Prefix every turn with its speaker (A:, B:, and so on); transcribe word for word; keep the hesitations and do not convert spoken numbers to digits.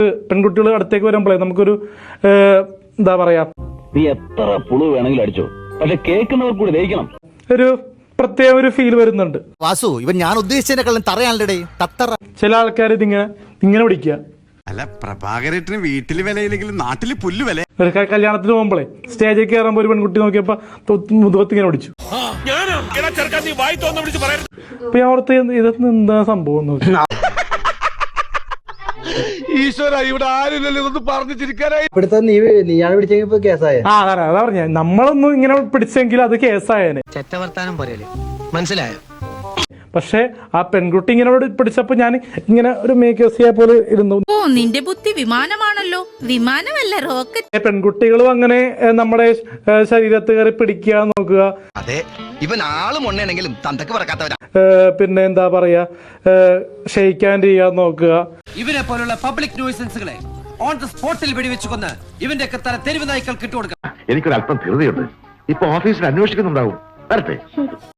A: പെൺകുട്ടികൾ അടുത്തേക്ക് വരുമ്പോഴേ നമുക്കൊരു എന്താ പറയാ,
B: നീ എത്ര പുളു വേണമെങ്കിലും അടിച്ചോ, പക്ഷെ കേൾക്കുന്നവർ കൂടി ദഹിക്കണം.
A: ഒരു പ്രത്യേക ഒരു ഫീൽ വരുന്നുണ്ട്.
C: വാസു, ഇവൻ ഞാൻ ഉദ്ദേശിച്ചതിനെക്കാളും തറയാണല്ലേ തത്തറ.
A: ചില ആൾക്കാർ ഇതിങ്ങനെ ഇങ്ങനെ പിടിക്കുക.
D: അല്ല, പ്രഭാകരേട്ടന് വീട്ടില് വിലയില്ലെങ്കിലും നാട്ടില് പുല്ല് വില.
A: ഒരു കല്യാണത്തിന് പോകുമ്പോഴേ സ്റ്റേജിൽ കയറുമ്പോ ഒരു പെൺകുട്ടി നോക്കിയപ്പോ മുതുകത്ത് ഇങ്ങനെ പിടിച്ചു. അപ്പൊ ഞാൻ ഓർത്ത് ഇതൊന്നും എന്താ സംഭവം നോക്കി.
E: ഈശ്വര, ഇവിടെ ആരില്ലല്ലോ ഇതൊന്നും പറഞ്ഞു ചിരിക്കാനായി.
F: നീയാണ് പിടിച്ചെങ്കിൽ കേസായ.
A: ആ അതാ അതാ പറഞ്ഞ, നമ്മളൊന്നും ഇങ്ങനെ പിടിച്ചെങ്കിൽ അത് കേസായേനെ.
F: ചെറ്റവർത്താനം പോരല്ലേ, മനസ്സിലായോ?
A: പക്ഷെ ആ പെൺകുട്ടി ഇങ്ങനെ പിടിച്ചപ്പോ ഞാൻ ഇങ്ങനെ ഒരു മേക്കേസിയെ പോലെ ഇരുന്നു.
G: ഓ, നിന്റെ ബുദ്ധി വിമാനമാണല്ലോ. വിമാനമല്ല, റോക്കറ്റ്.
A: പെൺകുട്ടികളും അങ്ങനെ നമ്മുടെ ശരീരത്ത് കയറി പിടിക്കുക നോക്കുക.
C: അതെ, ഇവൻ ആളും ഉണ്ണയാണെങ്കിലും തന്തക്ക് പറക്കാത്തവരാ.
A: പിന്നെ എന്താ പറയാ, ക്ഷയിക്കാൻ ചെയ്യാൻ നോക്കുക.
H: ഇവനെ പോലുള്ള പബ്ലിക് ന്യൂസൻസുകളെ ഓൺ ദ സ്പോട്ടിൽ വെടിവെച്ച് കൊന്ന് ഇവന്റെ ഒക്കെ തല തെരുവ് നായ്ക്കൾക്ക് ഇട്ടുകൊടുക്കാം.
E: എനിക്കൊരല്പം ധൃതിയുണ്ട്. ഇപ്പൊ ഓഫീസിൽ അന്വേഷിക്കുന്നുണ്ടാവും. വരട്ടെ.